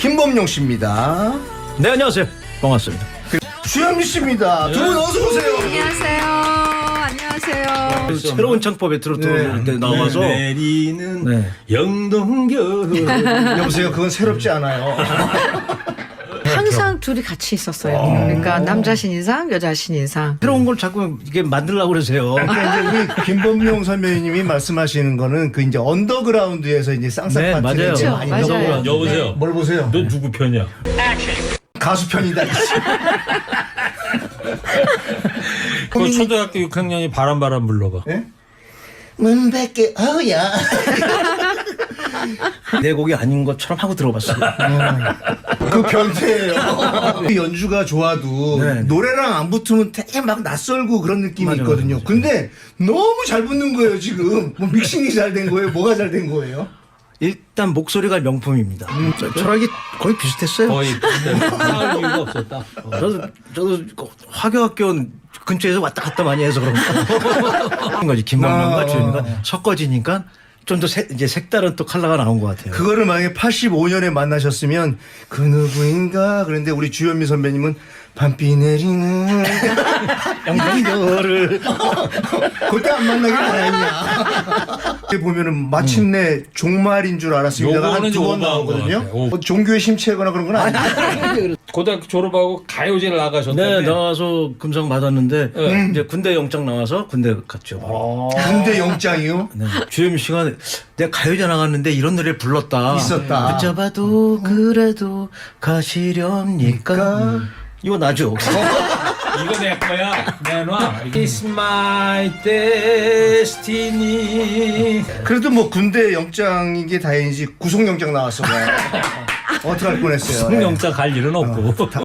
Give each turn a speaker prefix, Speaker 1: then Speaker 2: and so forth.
Speaker 1: 김범용 씨입니다.
Speaker 2: 네, 안녕하세요. 반갑습니다.
Speaker 1: 주현미 씨입니다. 두 분 어서 오세요.
Speaker 3: 안녕하세요. 안녕하세요.
Speaker 2: 새로운 창법에 들어올 때 나와서
Speaker 4: 내리는
Speaker 2: 네.
Speaker 4: 영동결.
Speaker 1: 여보세요. 그건 새롭지 않아요.
Speaker 3: 항상 둘이 같이 있었어요. 그러니까 남자 신인상, 여자 신인상.
Speaker 2: 새로운 걸 자꾸 이게 만들려고 그러세요.
Speaker 1: 그러니까 이제 우리 김범용 선배님이 말씀하시는 거는 그 이제 언더그라운드에서 이제 쌍쌍
Speaker 2: 네,
Speaker 1: 파트를
Speaker 2: 맞아요.
Speaker 1: 이제 많이
Speaker 3: 맞아요.
Speaker 1: 넣어보라는.
Speaker 4: 여보세요.
Speaker 1: 뭘 보세요?
Speaker 4: 너 누구 편이야?
Speaker 1: 가수 편이다.
Speaker 4: 그 초등학교 6학년이 바람 불러봐.
Speaker 1: 예? 문밖에 어야.
Speaker 2: 내 곡이 아닌 것처럼 하고 들어봤어요.
Speaker 1: 그 변태예요. 그 연주가 좋아도
Speaker 2: 네.
Speaker 1: 노래랑 안 붙으면 되게 막 낯설고 그런 느낌이
Speaker 2: 맞아요,
Speaker 1: 있거든요.
Speaker 2: 맞아요.
Speaker 1: 근데 너무 잘 붙는 거예요 지금. 뭐 믹싱이 잘 된 거예요? 뭐가 잘 된 거예요?
Speaker 2: 일단 목소리가 명품입니다. 철학이 거의 비슷했어요.
Speaker 4: 거의 싸울 이유가 없었다.
Speaker 2: 저도 화교학교 근처에서 왔다 갔다 많이 해서 그런 거지. 김범용과 주현미가 섞어지니까 좀 더 이제 색다른 또 컬러가 나온 것 같아요.
Speaker 1: 그거를 만약에 85년에 만나셨으면 그 누구인가 그런데 우리 주현미 선배님은 밤비 내리는
Speaker 2: 영동결을
Speaker 1: 그때 안 만나길 다행이야. 보면은 마침내 종말인 줄 알았습니다.
Speaker 4: 요거는
Speaker 1: 한 두 번
Speaker 4: 오버한 것
Speaker 1: 나오거든요.
Speaker 4: 같아요. 오.
Speaker 1: 뭐 종교에 심취하거나 그런 건 아니에요.
Speaker 4: 고등학교 졸업하고 가요제를 나가셨는데.
Speaker 2: 네, 나와서 금상 받았는데 이제 군대 영장 나와서 군대 갔죠. 바로.
Speaker 1: 군대 영장이요?
Speaker 2: 네. 주현미 씨가 내가 가요제 나갔는데 이런 노래를 불렀다.
Speaker 1: 있었다.
Speaker 2: 붙잡아도 그래도 가시렵니까? 이거 나죠.
Speaker 4: 이거 내 거야. 내놔. It's my destiny.
Speaker 1: 그래도 뭐 군대 영장인 게 다행이지 구속영장 나왔어. 어떡할 뻔했어요.
Speaker 4: 송영자 갈 일은 없고.